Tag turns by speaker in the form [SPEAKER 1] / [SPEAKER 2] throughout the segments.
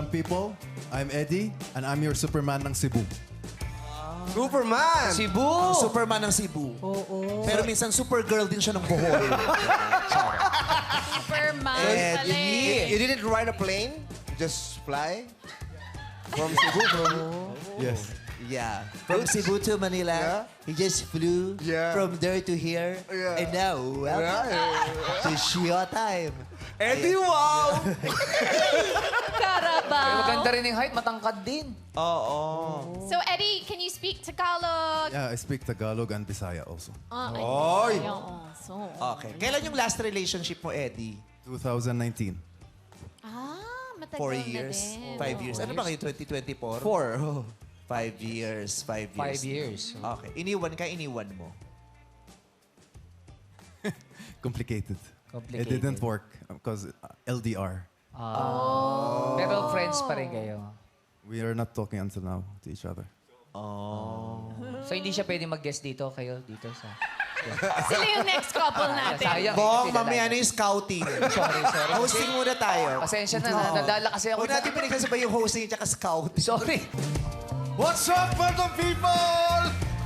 [SPEAKER 1] people, I'm Eddie, and I'm your Superman ng Cebu.
[SPEAKER 2] Superman!
[SPEAKER 3] Cebu!
[SPEAKER 4] Superman ng Cebu. Oo. Pero minsan Supergirl din siya ng Bohol.
[SPEAKER 5] Superman pala
[SPEAKER 2] You didn't ride a plane? Just fly? From Cebu?
[SPEAKER 1] Yes.
[SPEAKER 4] Yeah. From Cebu to Manila,
[SPEAKER 2] Yeah.
[SPEAKER 4] he just flew
[SPEAKER 2] Yeah.
[SPEAKER 4] from there to here.
[SPEAKER 2] Yeah.
[SPEAKER 4] And now, welcome to Shio time.
[SPEAKER 2] Eddie, wow!
[SPEAKER 5] Carabao.
[SPEAKER 3] Maganda rin yung height, matangkad din.
[SPEAKER 4] Oo.
[SPEAKER 5] So, Eddie, can you speak Tagalog?
[SPEAKER 1] Yeah, I speak Tagalog and Bisaya also.
[SPEAKER 2] Oy!
[SPEAKER 5] So,
[SPEAKER 4] Okay. Kailan yung last relationship mo, Eddie?
[SPEAKER 1] 2019.
[SPEAKER 5] matagal
[SPEAKER 4] 4
[SPEAKER 5] na
[SPEAKER 4] years?
[SPEAKER 5] din.
[SPEAKER 4] 5 years? Ano ba kayo, 2024?
[SPEAKER 2] 4.
[SPEAKER 4] 5 years. 5 years.
[SPEAKER 3] 5 years.
[SPEAKER 4] Okay. Iniwan ka, iniwan mo.
[SPEAKER 1] Complicated.
[SPEAKER 3] Complicated.
[SPEAKER 1] It didn't work because LDR.
[SPEAKER 3] Pero friends pa rin kayo.
[SPEAKER 1] We are not talking until now to each other.
[SPEAKER 3] So hindi siya pwede mag-guest dito, kayo dito sa...
[SPEAKER 5] Sila yung next couple natin.
[SPEAKER 3] Sayang.
[SPEAKER 4] Bong,
[SPEAKER 3] hindi
[SPEAKER 4] mamaya
[SPEAKER 3] kilala.
[SPEAKER 4] na yung scouting.
[SPEAKER 3] Sorry.
[SPEAKER 4] Hosting muna tayo.
[SPEAKER 3] Pasensya na, nadala kasi ako.
[SPEAKER 4] Huwag natin pinagsasabay yung hosting at scout.
[SPEAKER 3] Sorry.
[SPEAKER 6] What's up, Phantom people?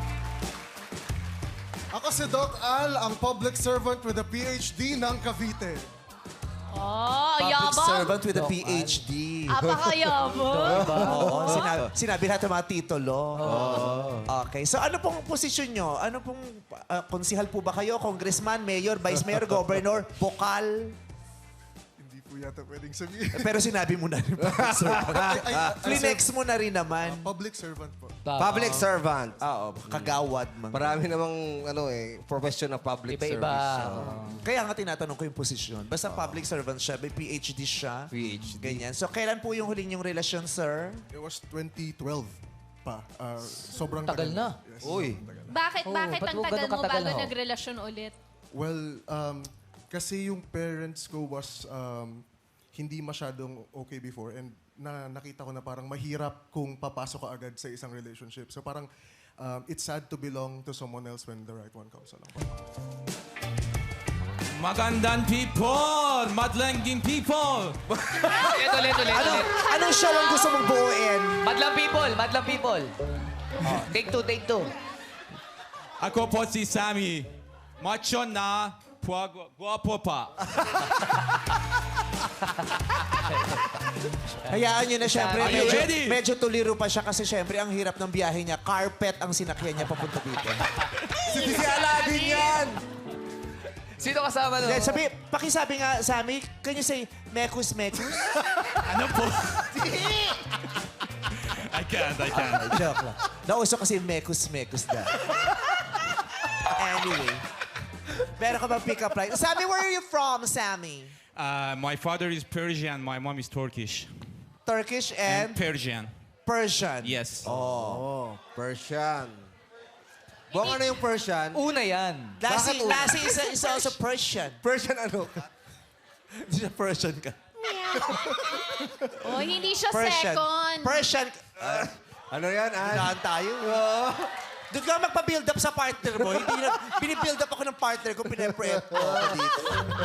[SPEAKER 6] Ako si Doc Al, ang public servant with a PhD ng Cavite.
[SPEAKER 5] Oh,
[SPEAKER 4] Public
[SPEAKER 5] yabang.
[SPEAKER 4] servant with a PhD.
[SPEAKER 5] Apakayabang.
[SPEAKER 4] Oo, sinabi natin mga titulo. Okay. So ano pong posisyon nyo? Ano pong konsihal po ba kayo? Congressman, mayor, vice mayor, governor, bokal?
[SPEAKER 6] Hindi po yata pwedeng sabihin.
[SPEAKER 4] Pero sinabi mo na rin. Public servant. Flinex mo na rin naman.
[SPEAKER 6] Public servant po.
[SPEAKER 2] Public servant.
[SPEAKER 4] Oo, kagawad.
[SPEAKER 2] Marami namang profession ng public
[SPEAKER 3] Iba-iba.
[SPEAKER 2] service.
[SPEAKER 4] Kaya nga tinatanong ko yung posisyon. Basta public servant siya, may PhD siya.
[SPEAKER 2] PhD.
[SPEAKER 4] Ganyan. So kailan po yung huling yung relasyon, sir?
[SPEAKER 6] It was 2012 pa. Sobrang
[SPEAKER 3] Tagal na.
[SPEAKER 6] Yes,
[SPEAKER 2] Uy.
[SPEAKER 6] sobrang tagal.
[SPEAKER 5] Bakit
[SPEAKER 3] ba't
[SPEAKER 5] ang
[SPEAKER 3] mo
[SPEAKER 5] tagal
[SPEAKER 3] ganun
[SPEAKER 5] mo
[SPEAKER 3] katagal,
[SPEAKER 5] bago
[SPEAKER 3] ho?
[SPEAKER 5] nagrelasyon ulit?
[SPEAKER 6] Well, kasi yung parents ko was hindi masyadong okay before and nakita ko na parang mahirap kung papasok ka agad sa isang relationship. So parang it's sad to belong to someone else when the right one comes along.
[SPEAKER 7] Magandang people! Madlanging people!
[SPEAKER 3] Ulit.
[SPEAKER 4] Anong show ang gusto mong buuin?
[SPEAKER 3] Madlang people. Oh, take two.
[SPEAKER 7] Ako po si Sammy. Macho na, guwapo pa.
[SPEAKER 4] Hayaan nyo na siyempre.
[SPEAKER 7] Are you ready?
[SPEAKER 4] Medyo tuliro pa siya kasi siyempre ang hirap ng biyahe niya. Carpet ang sinakyan niya papunta dito.
[SPEAKER 2] Si Aladdin yan!
[SPEAKER 3] Sino kasama nun?
[SPEAKER 4] Pakisabi nga, Sammy, can you say, mekus?
[SPEAKER 7] Ano po? I can't.
[SPEAKER 4] Joke lang. Nauso kasi mekus na. Anyway. Meron ka ba pick-up line? Sammy, where are you from, Sammy?
[SPEAKER 7] My father is Persian, my mom is Turkish.
[SPEAKER 4] Turkish and
[SPEAKER 7] Persian.
[SPEAKER 4] Persian.
[SPEAKER 7] Yes.
[SPEAKER 2] Oh, Persian. Bong, ano yung Persian?
[SPEAKER 3] Una yan.
[SPEAKER 4] Lassie is also Persian.
[SPEAKER 2] Persian ano?
[SPEAKER 4] Hindi siya Persian ka.
[SPEAKER 5] Oh, hindi siya
[SPEAKER 4] Persian.
[SPEAKER 5] second.
[SPEAKER 4] Persian.
[SPEAKER 2] Ano yan, An?
[SPEAKER 4] Saan tayo? Doon ka magpa-build up sa partner mo. Hindi na, binibuild up ako ng partner ko, pinaprep ko ako dito.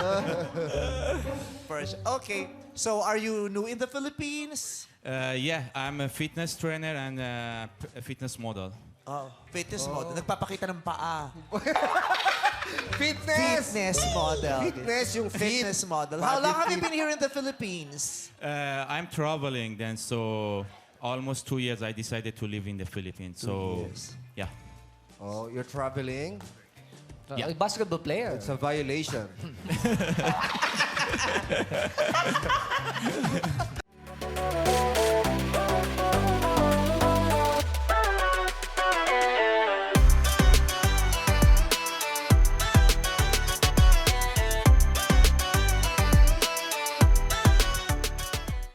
[SPEAKER 4] Persian. Okay. So, are you new in the Philippines?
[SPEAKER 7] Yeah, I'm a fitness trainer and a fitness model.
[SPEAKER 4] Oh, fitness model. Nagpapakita ng paa.
[SPEAKER 2] Fitness!
[SPEAKER 4] Fitness model.
[SPEAKER 2] Fitness, yung fit.
[SPEAKER 4] Fitness model. How long have you been here in the Philippines?
[SPEAKER 7] I'm traveling then, so almost 2 years I decided to live in the Philippines. So, yeah.
[SPEAKER 2] Oh, you're traveling?
[SPEAKER 3] Yeah. Basketball player.
[SPEAKER 2] It's a violation.